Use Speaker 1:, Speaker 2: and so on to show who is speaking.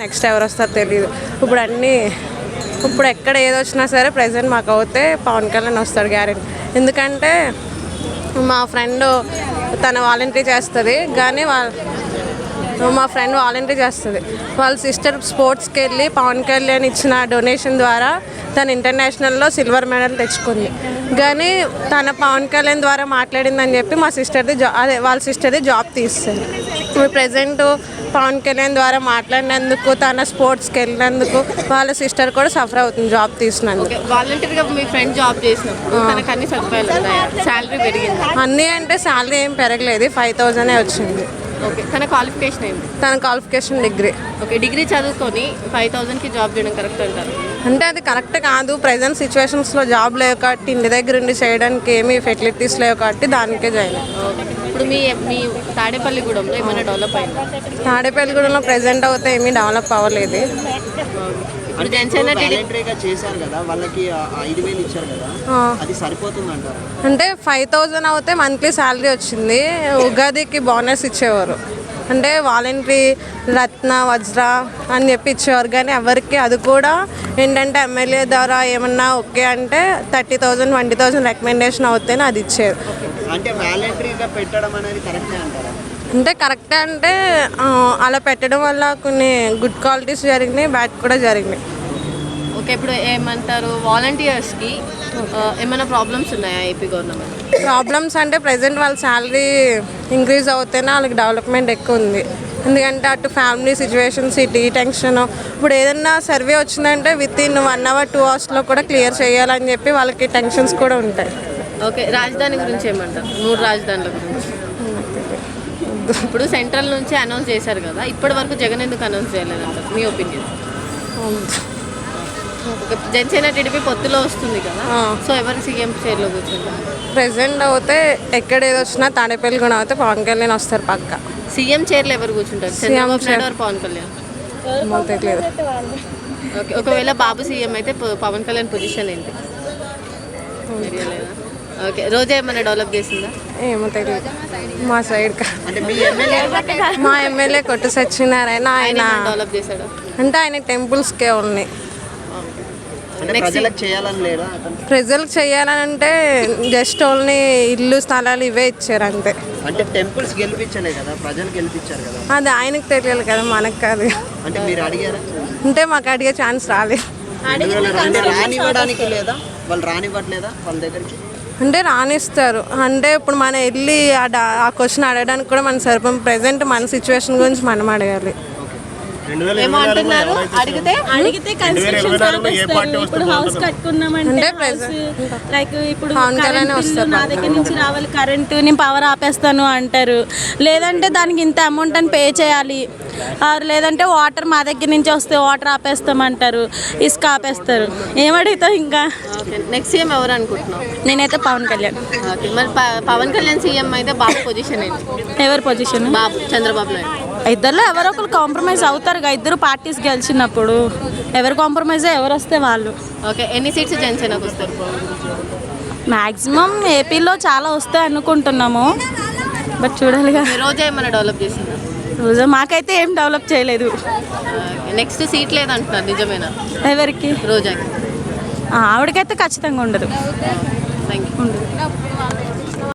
Speaker 1: Next ఎవరు వస్తారో తెలియదు. ఇప్పుడు ఎక్కడ ఏది వచ్చినా సరే ప్రజెంట్ మాకు అవుతే పవన్ కళ్యాణ్ వస్తాడు గ్యారెంటీ. ఎందుకంటే మా ఫ్రెండ్ తన వాలంటరీ చేస్తుంది, కానీ వాళ్ళ సిస్టర్ స్పోర్ట్స్కి వెళ్ళి పవన్ కళ్యాణ్ ఇచ్చిన డొనేషన్ ద్వారా తను ఇంటర్నేషనల్లో సిల్వర్ మెడల్ తెచ్చుకుంది. కానీ తన పవన్ కళ్యాణ్ ద్వారా మాట్లాడిందని చెప్పి వాళ్ళ సిస్టర్ది జాబ్ తీస్తుంది. ఇప్పుడు ప్రజెంట్ పవన్ కళ్యాణ్ ద్వారా మాట్లాడినందుకు, తన స్పోర్ట్స్కి వెళ్ళినందుకు వాళ్ళ సిస్టర్ కూడా సఫర్ అవుతుంది జాబ్ తీసినందుకు.
Speaker 2: వాలంటీర్గా మీ ఫ్రెండ్ జాబ్ చేసినప్పుడు తనకు అన్ని సదుపాయాలు ఉన్నాయా? శాలరీ పెరిగింది?
Speaker 1: అన్నీ అంటే శాలరీ ఏం పెరగలేదు, 5,000 వచ్చింది.
Speaker 2: ఓకే, తన క్వాలిఫికేషన్ ఏంటి?
Speaker 1: తన క్వాలిఫికేషన్ డిగ్రీ.
Speaker 2: ఓకే, డిగ్రీ చదువుకొని 5,000కి జాబ్ చేయడం కరెక్ట్ అంటారు?
Speaker 1: అంటే అది కరెక్ట్ కాదు. ప్రజెంట్ సిచ్యువేషన్స్లో జాబ్ లేవు కాబట్టి, ఇంటి దగ్గర ఉండి చేయడానికి ఏమీ ఫెసిలిటీస్ లేవు కాబట్టి దానికే జాయిన్.
Speaker 2: ఇప్పుడు మీ తాడేపల్లిగూడెంలో ఏమైనా డెవలప్ అయిందా?
Speaker 1: తాడేపల్లిగూడెంలో ప్రజెంట్ అయితే ఏమీ డెవలప్ అవ్వలేదు.
Speaker 2: ఇప్పుడు జనసేన
Speaker 3: వాలంటరీగా చేశారు కదా, వాళ్ళకి 5,000 ఇచ్చారు కదా, అది సరిపోతుంది అంటారు?
Speaker 1: అంటే 5,000 అవుతే మంత్లీ శాలరీ వచ్చింది. ఉగాదికి బోనస్ ఇచ్చేవారు, అంటే వాలంటరీ రత్న వజ్ర అని చెప్పి ఇచ్చేవారు. కానీ ఎవరికి అది కూడా ఏంటంటే ఎమ్మెల్యే ద్వారా ఏమన్నా ఓకే అంటే 30,000 20,000 రికమెండేషన్ అవుతేనే అది ఇచ్చేది.
Speaker 3: అంటే వాలంటరీగా పెట్టడం అనేది కరెక్టే అంటారా?
Speaker 1: అంటే కరెక్టే అంటే అలా పెట్టడం వల్ల కొన్ని గుడ్ క్వాలిటీస్ జరిగినాయి, బ్యాడ్ కూడా జరిగినాయి.
Speaker 2: ఓకే, ఇప్పుడు ఏమంటారు, వాలంటీర్స్కి ఏమైనా ప్రాబ్లమ్స్ ఉన్నాయా ఏపీ గవర్నమెంట్?
Speaker 1: ప్రాబ్లమ్స్ అంటే ప్రజెంట్ వాళ్ళ శాలరీ ఇంక్రీజ్ అవుతేనే వాళ్ళకి డెవలప్మెంట్ ఎక్కువ ఉంది. ఎందుకంటే అటు ఫ్యామిలీ సిచ్యువేషన్స్, ఇటు ఈ టెన్షన్. ఇప్పుడు ఏదైనా సర్వే వచ్చిందంటే వితిన్ 1 hour 2 hours కూడా క్లియర్ చేయాలని చెప్పి వాళ్ళకి టెన్షన్స్ కూడా ఉంటాయి.
Speaker 2: ఓకే, రాజధాని గురించి ఏమంటారు? 3 రాజధానుల గురించి ఇప్పుడు సెంట్రల్ నుంచి అనౌన్స్ చేశారు కదా, ఇప్పటి వరకు జగన్ ఎందుకు అనౌన్స్ చేయలేదంటారు మీ ఒపీనియన్? జనసేన టీడీపీ పొత్తులో వస్తుంది కదా, సో ఎవరు సీఎం చైర్లో కూర్చుంటారు?
Speaker 1: ప్రెసెంట్ అయితే ఎక్కడ ఏది వచ్చినా తాడేపల్లిగూడెం అయితే పవన్ కళ్యాణ్ వస్తారు పక్క.
Speaker 2: సీఎం చైర్లో ఎవరు కూర్చుంటారు? చంద్రబాబు నాయుడు పవన్ కళ్యాణ్?
Speaker 1: తెలియదు.
Speaker 2: ఓకే, ఒకవేళ బాబు సీఎం అయితే పవన్ కళ్యాణ్ పొజిషన్ ఏంటి? ఓకే, రోజా ఏమైనా డెవలప్ చేసిందా?
Speaker 1: ఏమో తెలియదు మా సైడ్. మా ఎమ్మెల్యే కొట్టు సత్యనారాయణ, ఆయన
Speaker 2: డెవలప్ చేశాడు
Speaker 1: అంటే ఆయన టెంపుల్స్కే ఉన్నాయి. ప్రజలకు చేయాలని అంటే జస్ట్ ఓన్లీ ఇల్లు స్థలాలు ఇవే ఇచ్చారు అంతే.
Speaker 3: అంటే టెంపుల్స్ గెలిపించలే కదా, ప్రజలు గెలిపించారు కదా,
Speaker 1: అది ఆయనకు తెలియాలి కదా, మనకు కాదు.
Speaker 3: అంటే మీరు అడిగారా?
Speaker 1: అంటే మాకు అడిగే ఛాన్స్ రాలేదు.
Speaker 3: రానివ్వడానికి లేదా, వాళ్ళు రానివ్వట్లేదా వాళ్ళ దగ్గరికి?
Speaker 1: అంటే రానిస్తారు. అంటే ఇప్పుడు మనం వెళ్ళి ఆ క్వశ్చన్ అడగడానికి కూడా మన సరిపోం. ప్రెసెంట్ మన సిచ్యువేషన్ గురించి మనం అడిగాలి.
Speaker 4: అడిగితే కన్స్ట్రక్షన్ ఇప్పుడు హౌస్ కట్టుకున్నామంటే లైక్ ఇప్పుడు నా దగ్గర నుంచి రావాలి, కరెంటు నేను పవర్ ఆపేస్తాను అంటారు. లేదంటే దానికి ఇంత అమౌంట్ అని పే చేయాలి, లేదంటే వాటర్ మా దగ్గర నుంచి వస్తే వాటర్ ఆపేస్తామంటారు, ఇసుక ఆపేస్తారు. ఏమడుగుతావు ఇంకా?
Speaker 2: నెక్స్ట్ సీఎం ఎవరు అనుకుంటున్నావు?
Speaker 4: నేనైతే పవన్ కళ్యాణ్.
Speaker 2: మరి పవన్ కళ్యాణ్ సీఎం అయితే బాబు పొజిషన్ ఏంటి?
Speaker 4: ఎవరి పొజిషన్?
Speaker 2: బాబు చంద్రబాబు నాయుడు.
Speaker 4: ఇద్దరులో ఎవరో ఒకరు కాంప్రమైజ్ అవుతారుగా, ఇద్దరు పార్టీస్ గెలిచినప్పుడు ఎవరు కాంప్రమైజ్ ఎవరు వస్తే వాళ్ళు.
Speaker 2: ఓకే, ఎన్ని సీట్స్ జనసేనకు వస్తారు?
Speaker 4: మ్యాక్సిమం ఏపీలో చాలా వస్తాయి అనుకుంటున్నాము, బట్ చూడాలిగా.
Speaker 2: రోజా ఏమైనా డెవలప్ చేసిందా?
Speaker 4: రోజా మాకైతే ఏం డెవలప్ చేయలేదు.
Speaker 2: నెక్స్ట్ సీట్ లేదంటున్నారు, నిజమేనా?
Speaker 4: ఎవరికి?
Speaker 2: రోజాకి.
Speaker 4: ఆవిడకైతే ఖచ్చితంగా ఉండదు.
Speaker 2: Thank you.